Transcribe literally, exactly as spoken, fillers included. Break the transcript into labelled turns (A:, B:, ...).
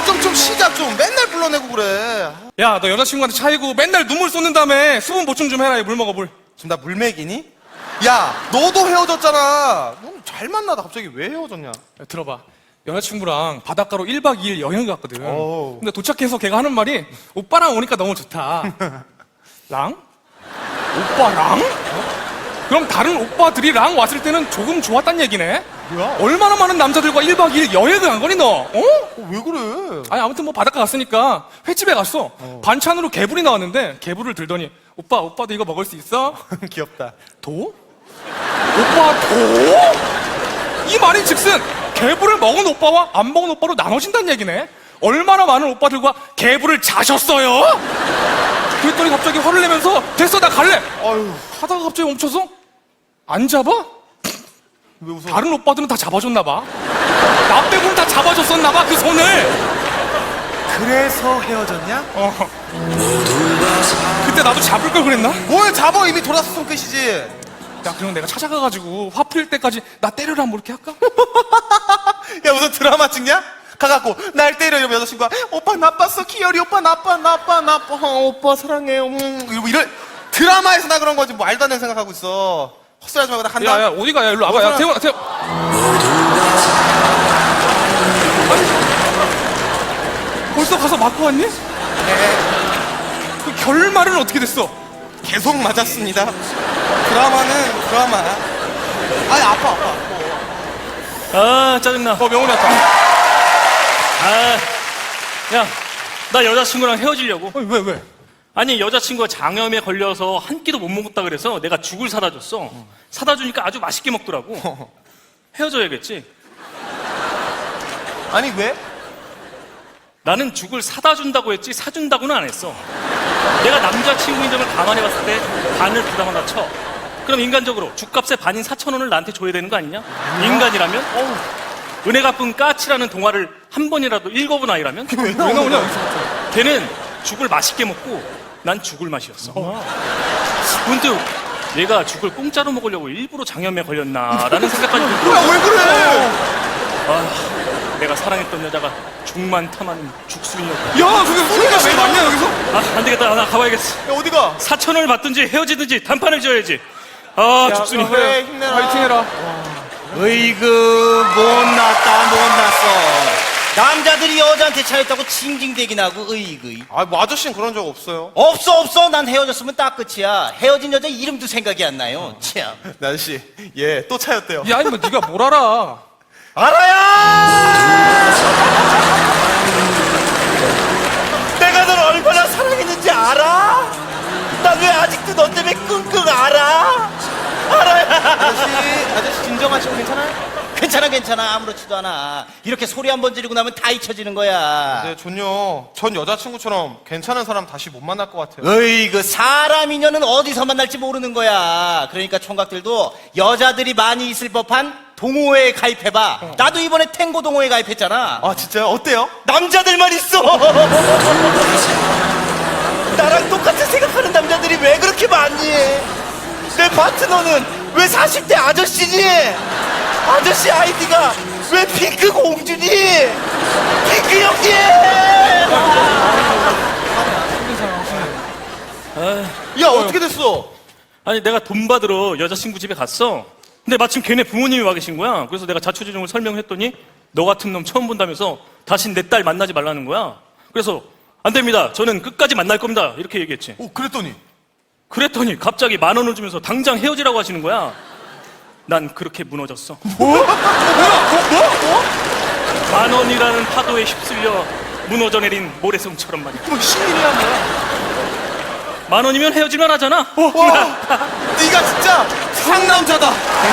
A: 좀 좀 쉬자 좀. 맨날 불러내고 그래.
B: 야, 너 여자친구한테 차이고 맨날 눈물 쏟는다며. 수분 보충 좀 해라. 물 먹어, 물.
A: 지금 나 물맥이니? 야, 너도 헤어졌잖아. 넌 잘 만나다 갑자기 왜 헤어졌냐?
B: 야, 들어봐. 여자친구랑 바닷가로 일박 이일 여행 갔거든.
A: 어우.
B: 근데 도착해서 걔가 하는 말이 오빠랑 오니까 너무 좋다. 랑? 오빠랑? 그럼 다른 오빠들이랑 왔을 때는 조금 좋았단 얘기네?
A: 뭐야?
B: 얼마나 많은 남자들과 일박 이일 여행을 간 거니 너? 어?
A: 어, 왜 그래?
B: 아니 아무튼 뭐 바닷가 갔으니까 횟집에 갔어. 반찬으로 개불이 나왔는데 개불을 들더니 오빠 오빠도 이거 먹을 수 있어?
A: 귀엽다.
B: 도? 오빠 도? 이 말인 즉슨 개불을 먹은 오빠와 안 먹은 오빠로 나눠진다는 얘기네. 얼마나 많은 오빠들과 개불을 자셨어요? 그랬더니 갑자기 화를 내면서 됐어 나 갈래
A: 아유,
B: 하다가 갑자기 멈춰서 안 잡아?
A: 왜 웃어?
B: 다른 오빠들은 다 잡아줬나 봐. 나 빼고는 다 잡아줬었나 봐 그 손을.
A: 그래서 헤어졌냐?
B: 어. 그때 나도 잡을 걸 그랬나?
A: 뭘 잡아, 이미 돌아섰으면 끝이지.
B: 야 그럼 내가 찾아가가지고 화 풀릴 때까지 나 때려라 뭐 이렇게 할까?
A: 야, 무슨 드라마 찍냐? 가갖고 날 때려 이러면 여자친구가 오빠 나빴어, 기열이 오빠 나빠 나빠 나빠 어, 오빠 사랑해요 음 이러고 이럴 드라마에서 나 그런 거지. 뭐 말도 안 되는 생각하고 있어. 헛소리하지 말고 나 간다.
B: 야야 어디가 야 일로 와봐. 야 태훈아 태훈. 아니, 벌써 가서 맞고 왔니?
A: 네,
B: 그 결말은 어떻게 됐어?
A: 계속 맞았습니다. 드라마는 드라마야. 아니 아파 아파 아파.
C: 아 짜증나.
B: 어 명훈이 왔다.
C: 아, 야, 나 여자친구랑 헤어지려고.
B: 아니 왜 왜?
C: 아니 여자친구가 장염에 걸려서 한 끼도 못 먹었다 그래서 내가 죽을 사다 줬어. 사다 주니까 아주 맛있게 먹더라고. 헤어져야겠지.
A: 아니 왜?
C: 나는 죽을 사다 준다고 했지 사준다고는 안 했어. 내가 남자친구인 점을 감안해 봤을 때 반을 부담한다 쳐. 그럼 인간적으로 죽값의 반인 사천 원을 나한테 줘야 되는 거 아니냐? 인간이라면? 어우. 은혜 갚은 까치라는 동화를 한 번이라도 읽어본 아이라면?
B: 왜 나오냐?
C: 걔는 죽을 맛있게 먹고 난 죽을 맛이었어. 문득 내가 죽을 공짜로 먹으려고 일부러 장염에 걸렸나라는 생각까지 들고.
A: 뭐야 왜 그래?
C: 아, 내가 사랑했던 여자가 죽만 탐하는 죽순이었다.
B: 야 그게 소리가 왜 났냐 여기서?
C: 아, 안 되겠다. 나 가봐야겠어.
A: 야 어디가?
C: 사천 원을 받든지 헤어지든지 단판을 지어야지. 아, 죽순이.
A: 그래 힘내라.
B: 파이팅해라.
D: 으이그 못났다 못났어. 남자들이 여자한테 차였다고 징징대긴 하고 으이그.
A: 아뭐 아저씨는 그런 적 없어요.
D: 없어 없어. 난 헤어졌으면 딱 끝이야. 헤어진 여자 이름도 생각이 안 나요. 참.
A: 나 아저씨 얘 또 차였대요.
B: 야 이뭐 네가 뭘 알아?
D: 알아야. 내가 널 얼마나 사랑했는지 알아? 난 왜 아직도 너 때문에 끙끙 알아? 알아야.
A: 아저씨 아저씨 진정하시고 괜찮아요?
D: 괜찮아 괜찮아. 아무렇지도 않아. 이렇게 소리 한 번 지르고 나면 다 잊혀지는 거야.
A: 네 전요. 전 여자친구처럼 괜찮은 사람 다시 못 만날 것 같아요.
D: 으이그 사람 인연은 어디서 만날지 모르는 거야. 그러니까 총각들도 여자들이 많이 있을 법한 동호회에 가입해봐. 나도 이번에 탱고 동호회 가입했잖아.
A: 아 진짜요? 어때요?
D: 남자들만 있어. 나랑 똑같이 생각하는 남자들이 왜 그렇게 많니? 내 파트너는 왜 사십 대 아저씨니? 아저씨 아이디가 왜 핑크 공주니? 핑크 형님!
A: 야 어떻게 됐어?
C: 아니 내가 돈 받으러 여자친구 집에 갔어. 근데 마침 걔네 부모님이 와 계신 거야. 그래서 내가 자초지종을 설명했더니 너 같은 놈 처음 본다면서 다신 내 딸 만나지 말라는 거야. 그래서 안 됩니다. 저는 끝까지 만날 겁니다. 이렇게 얘기했지.
A: 오 그랬더니
C: 그랬더니 갑자기 만 원을 주면서 당장 헤어지라고 하시는 거야. 난 그렇게 무너졌어.
A: 뭐야? 뭐? 뭐?
C: 만 원이라는 파도에 휩쓸려 무너져 내린 모래성처럼 말이야.
A: 뭐 신인이야 뭐야?
C: 만 원이면 헤어질만 하잖아.
A: 와 네가 진짜 상남자다.